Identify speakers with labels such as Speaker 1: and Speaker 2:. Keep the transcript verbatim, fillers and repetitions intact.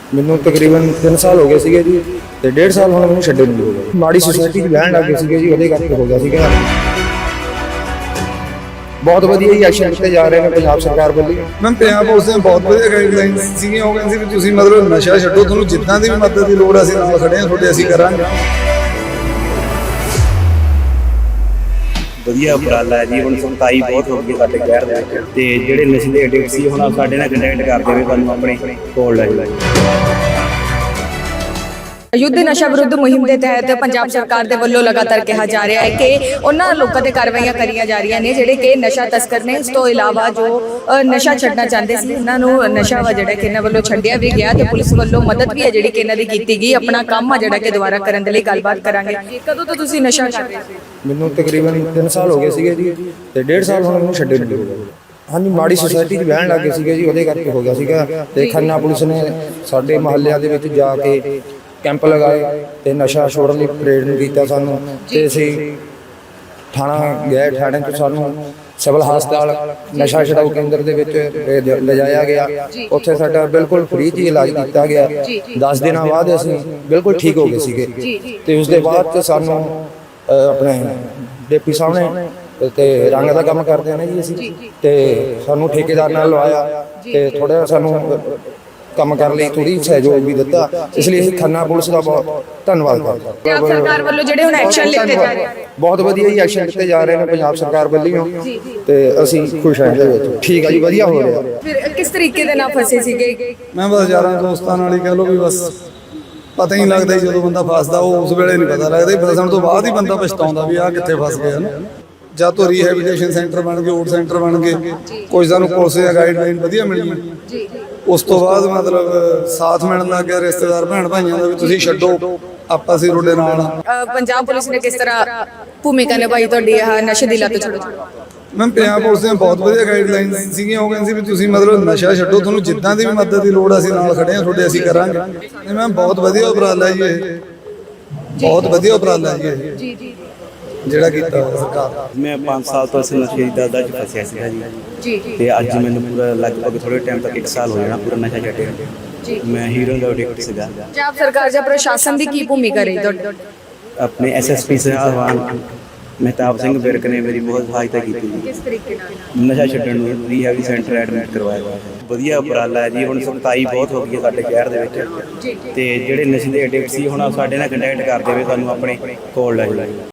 Speaker 1: ਮੈਨੂੰ ਤਕਰੀਬਨ ਤਿੰਨ ਸਾਲ ਹੋ ਗਏ ਸੀਗੇ ਜੀ ਤੇ ਡੇਢ ਸਾਲ ਹੁਣ ਮੈਨੂੰ ਛੱਡੇ ਨੂੰ ਹੋ ਗਏ। ਮਾੜੀ ਸੁਸਾਇਟੀ 'ਚ ਬਹਿਣ ਲੱਗ ਗਏ ਸੀਗੇ ਜੀ, ਉਹਦੇ ਕਰਕੇ ਹੋ ਗਿਆ ਸੀਗਾ। ਬਹੁਤ ਵਧੀਆ ਹੀ ਐਕਸ਼ਨ ਕੀਤੇ ਜਾ ਰਹੇ ਨੇ ਪੰਜਾਬ ਸਰਕਾਰ ਵੱਲੋਂ।
Speaker 2: ਮੈਂ ਪੰਜਾਬ ਪੁਲਿਸ ਨੇ ਬਹੁਤ ਵਧੀਆ ਗਾਈਡਲਾਈਨਸ ਸੀਗੀਆਂ। ਉਹ ਕਹਿੰਦੇ ਸੀ ਵੀ ਤੁਸੀਂ ਮਤਲਬ ਨਸ਼ਾ ਛੱਡੋ, ਤੁਹਾਨੂੰ ਜਿੱਦਾਂ ਦੀ ਵੀ ਮਦਦ ਦੀ ਲੋੜ ਅਸੀਂ ਨਾਲ ਖੜੇ ਹਾਂ ਤੁਹਾਡੇ, ਅਸੀਂ ਕਰਾਂਗੇ।
Speaker 3: ਵਧੀਆ ਉਪਰਾਲਾ ਹੈ ਜੀ। ਹੁਣ ਸੰਤਾਈ ਬਹੁਤ ਹੋ ਗਈ ਸਾਡੇ ਸ਼ਹਿਰ ਦੇ ਵਿੱਚ, ਤੇ ਜਿਹੜੇ ਨਸ਼ੇ ਦੇ ਐਡਿਕਟ ਸੀ ਹੁਣ ਸਾਡੇ ਨਾਲ ਕੰਟੈਕਟ ਕਰਦੇ ਹੋਏ ਤੁਹਾਨੂੰ ਆਪਣੇ ਕੋਲ ਲੈ ਜਾਓ।
Speaker 4: ਯੁੱਧ ਨਸ਼ਾ ਵਿਰੁੱਧ ਮੁਹਿੰਮ ਦੇ ਤਹਿਤ ਪੰਜਾਬ ਸਰਕਾਰ ਦੇ ਵੱਲੋਂ ਲਗਾਤਾਰ ਕਿਹਾ ਜਾ ਰਿਹਾ ਹੈ ਕਿ ਉਹਨਾਂ ਲੋਕਾਂ ਤੇ ਕਾਰਵਾਈਆਂ ਕਰੀਆਂ ਜਾ ਰਹੀਆਂ ਨੇ ਜਿਹੜੇ ਕਿ ਨਸ਼ਾ ਤਸਕਰ ਨੇ। ਇਸ ਤੋਂ ਇਲਾਵਾ ਜੋ ਨਸ਼ਾ ਛੱਡਣਾ ਚਾਹੁੰਦੇ ਸੀ ਉਹਨਾਂ ਨੂੰ ਨਸ਼ਾ ਵਾ ਜਿਹੜਾ ਕਿ ਇਹਨਾਂ ਵੱਲੋਂ ਛੱਡਿਆ ਵੀ ਗਿਆ ਤੇ ਪੁਲਿਸ ਵੱਲੋਂ ਮਦਦ ਵੀ ਹੈ ਜਿਹੜੀ ਕਿ ਇਹਨਾਂ ਦੀ ਕੀਤੀ ਗਈ। ਆਪਣਾ ਕੰਮ ਆ ਜਿਹੜਾ ਕਿ ਦੁਬਾਰਾ ਕਰਨ ਦੇ ਲਈ ਗੱਲਬਾਤ ਕਰਾਂਗੇ। ਕਦੋਂ ਤੋਂ ਤੁਸੀਂ ਨਸ਼ਾ ਕਰ ਰਹੇ ਸੀ?
Speaker 1: ਮੈਨੂੰ ਤਕਰੀਬਨ ਤਿੰਨ ਸਾਲ ਹੋ ਗਏ ਸੀਗੇ ਜੀ ਤੇ ਡੇਢ ਸਾਲ ਹੁਣ ਮੈਨੂੰ ਛੱਡੇ ਨੂੰ ਹੋ ਗਏ। ਹਾਂਜੀ, ਮਾੜੀ ਸੁਸਾਇਟੀ 'ਚ ਬਹਿਣ ਲੱਗ ਗਏ ਸੀਗੇ ਜੀ, ਉਹਦੇ ਕਰਕੇ ਹੋ ਗਿਆ ਸੀਗਾ। ਤੇ ਖੰਨਾ ਪੁਲਿਸ ਨੇ ਸਾਡੇ ਮੁਹੱਲਿਆਂ ਦੇ ਵਿੱਚ ਜਾ ਕੇ ਕੈਂਪ ਲਗਾਏ ਤੇ ਨਸ਼ਾ ਛੋੜਨ ਲਈ ਪ੍ਰੇਰਣ ਕੀਤਾ ਸਾਨੂੰ। ਤੇ ਅਸੀਂ ਥਾਣਾ ਗਏ, ਥਾਣੇ ਤੋਂ ਸਾਨੂੰ ਸਿਵਲ ਹਸਪਤਾਲ ਨਸ਼ਾ ਛਡਾਊ ਕੇਂਦਰ ਦੇ ਵਿੱਚ ਲਿਜਾਇਆ ਗਿਆ। ਉੱਥੇ ਸਾਡਾ ਬਿਲਕੁਲ ਫ੍ਰੀ 'ਚ ਇਲਾਜ ਕੀਤਾ ਗਿਆ। ਦਸ ਦਿਨਾਂ ਬਾਅਦ ਅਸੀਂ ਬਿਲਕੁਲ ਠੀਕ ਹੋ ਗਏ ਸੀਗੇ। ਤੇ ਉਸ ਦੇ ਬਾਅਦ ਸਾਨੂੰ ਆਪਣੇ ਡੇਪੀ ਸਾਹਮਣੇ ਤੇ ਰੰਗ ਦਾ ਕੰਮ ਕਰਦੇ ਨੇ ਜੀ ਅਸੀਂ, ਤੇ ਸਾਨੂੰ ਠੇਕੇਦਾਰ ਨਾਲ ਲਵਾਇਆ ਤੇ ਥੋੜਾ ਸਾਨੂੰ ਕੰਮ ਕਰਨ ਲਈ ਥੋੜੀ ਸਹਿਯੋਗ ਵੀ ਦਿੱਤਾ। ਇਸ ਲਈ ਅਸੀਂ ਖੰਨਾ ਪੁਲਿਸ ਦਾ ਬਹੁਤ ਧੰਨਵਾਦ ਕਰਦੇ ਹਾਂ।
Speaker 4: ਪੰਜਾਬ ਸਰਕਾਰ ਵੱਲੋਂ ਜਿਹੜੇ ਹੁਣ ਐਕਸ਼ਨ ਲਿੱਤੇ ਜਾ ਰਹੇ ਨੇ,
Speaker 1: ਬਹੁਤ ਵਧੀਆ ਹੀ ਐਕਸ਼ਨ ਲਿੱਤੇ ਜਾ ਰਹੇ ਨੇ ਪੰਜਾਬ ਸਰਕਾਰ ਵੱਲੋਂ, ਤੇ ਅਸੀਂ ਖੁਸ਼ ਹਾਂ ਇਹਦੇ ਵਿੱਚ। ਠੀਕ ਹੈ ਜੀ, ਵਧੀਆ ਹੋ ਰਿਹਾ।
Speaker 4: ਫਿਰ ਕਿਸ ਤਰੀਕੇ ਦੇ ਨਾਲ ਫਸੇ ਸੀਗੇ?
Speaker 2: ਮੈਂ ਬਸ ਯਾਰਾਂ ਦੋਸਤਾਂ ਨਾਲ ਹੀ ਕਹਿ ਲਓ ਵੀ ਬਸ ਪਤਾ ਹੀ ਨਹੀਂ ਲੱਗਦਾ ਜਦੋਂ ਬੰਦਾ ਫਸਦਾ, ਉਹ ਉਸ ਵੇਲੇ ਨਹੀਂ ਪਤਾ ਲੱਗਦਾ। ਫਸਣ ਤੋਂ ਬਾਅਦ ਹੀ ਬੰਦਾ ਪਛਤਾਉਂਦਾ ਵੀ ਆਹ ਕਿੱਥੇ ਫਸ ਗਿਆ ਨਾ। ਜਦ ਤੋਂ ਰੀਹੈਬਿਲਿਟੇਸ਼ਨ ਸੈਂਟਰ ਬਣ ਗਏ, ਓਟ ਸੈਂਟਰ ਬਣ ਗਏ, ਕੁਝ ਸਾਨੂੰ ਪੁਲਿਸ ਦੀਆਂ ਗਾਈਡਲਾਈਨ ਵਧੀਆ ਮਿਲੀਆਂ। ਉਸ ਤੋਂ ਬਾਅਦ ਮਤਲਬ ਸਾਥ ਮਿਲਣ ਲੱਗ ਗਿਆ ਰਿਸ਼ਤੇਦਾਰ ਭੈਣ ਭਾਈਆਂ ਦਾ ਵੀ ਤੁਸੀਂ ਛੱਡੋ, ਆਪਾਂ ਅਸੀਂ ਤੁਹਾਡੇ ਨਾਲ ਆ।
Speaker 4: ਪੰਜਾਬ ਪੁਲਿਸ ਨੇ ਕਿਸ ਤਰ੍ਹਾਂ ਭੂਮਿਕਾ ਨਿਭਾਈ ਤੁਹਾਡੀ ਇਹ ਨਸ਼ੇ ਦੀ ਲੱਤ ਛੱਡੋ?
Speaker 2: ਮੈਂ ਪੰਜਾਬ ਪੁਲਿਸ ਨੇ ਬਹੁਤ ਵਧੀਆ ਗਾਈਡਲਾਈਨਸ ਸੀਗੀਆਂ। ਉਹ ਕਹਿੰਦੇ ਸੀ ਵੀ ਤੁਸੀਂ ਮਤਲਬ ਨਸ਼ਾ ਛੱਡੋ, ਤੁਹਾਨੂੰ ਜਿੱਦਾਂ ਦੀ ਵੀ ਮਦਦ ਦੀ ਲੋੜ ਅਸੀਂ ਨਾਲ ਖੜੇ ਹਾਂ ਤੁਹਾਡੇ, ਅਸੀਂ ਕਰਾਂਗੇ। ਮੈਂ ਬਹੁਤ ਵਧੀਆ ਉਪਰਾਲਾ ਜੀ ਇਹ, ਬਹੁਤ ਵਧੀਆ ਉਪਰਾਲਾ ਜੀ ਇਹ
Speaker 4: ਜੀ ਜੀ
Speaker 2: ਜਿਹੜਾ ਕੀਤਾ ਸਰਕਾਰ।
Speaker 3: ਮੈਂ ਪੰਜ ਸਾਲ ਤੋਂ ਇਸ ਨਸ਼ੇ ਦੀ ਦਲਦਲ 'ਚ ਫਸਿਆ ਸੀਗਾ ਜੀ
Speaker 4: ਜੀ
Speaker 3: ਤੇ ਅੱਜ ਮੈਨੂੰ ਪੂਰਾ ਲਗਭਗ ਥੋੜੇ ਟਾਈਮ ਤੱਕ ਇੱਕ ਸਾਲ ਹੋ ਜਾਣਾ ਪੂਰਾ ਨਸ਼ਾ ਛੱਡਿਆ।
Speaker 4: ਜੀ
Speaker 3: ਮੈਂ ਹੀਰੋਇਨ ਦਾ ਐਡਿਕਟ ਸੀਗਾ।
Speaker 4: ਪੰਜਾਬ ਸਰਕਾਰ ਜਾਂ ਪ੍ਰਸ਼ਾਸਨ ਦੀ ਕੀ ਭੂਮਿਕਾ ਰਹੀ ਤੁਹਾਡੀ?
Speaker 3: ਆਪਣੇ ਐਸਐਸਪੀ ਸਾਹਿਬਾਨ ਮਹਿਤਾਬ ਸਿੰਘ ਵਿਰਕ ਨੇ ਮੇਰੀ ਬਹੁਤ ਸਹਾਇਤਾ ਕੀਤੀ ਜੀ।
Speaker 4: ਕਿਸ ਤਰੀਕੇ ਨਾਲ?
Speaker 3: ਨਸ਼ਾ ਛੱਡਣ ਨੂੰ ਰੀਹੈਬ ਸੈਂਟਰ ਐਡਮਿਟ ਕਰਵਾਇਆ ਹੋਇਆ ਹੈ। ਵਧੀਆ ਉਪਰਾਲਾ ਹੈ ਜੀ। ਹੁਣ ਸੰਤਾਈ ਬਹੁਤ ਹੋ ਗਈ ਸਾਡੇ ਸ਼ਹਿਰ ਦੇ ਵਿੱਚ, ਤੇ ਜਿਹੜੇ ਨਸ਼ੇ ਦੇ ਐਡਿਕਟ ਸੀ ਹੁਣ ਸਾਡੇ ਨਾਲ ਕੰਟੈਕਟ ਕਰਦੇ ਹੋਏ ਤੁਹਾਨੂੰ ਆਪਣੇ ਕੋਲ ਲੈ ਜਾਓ।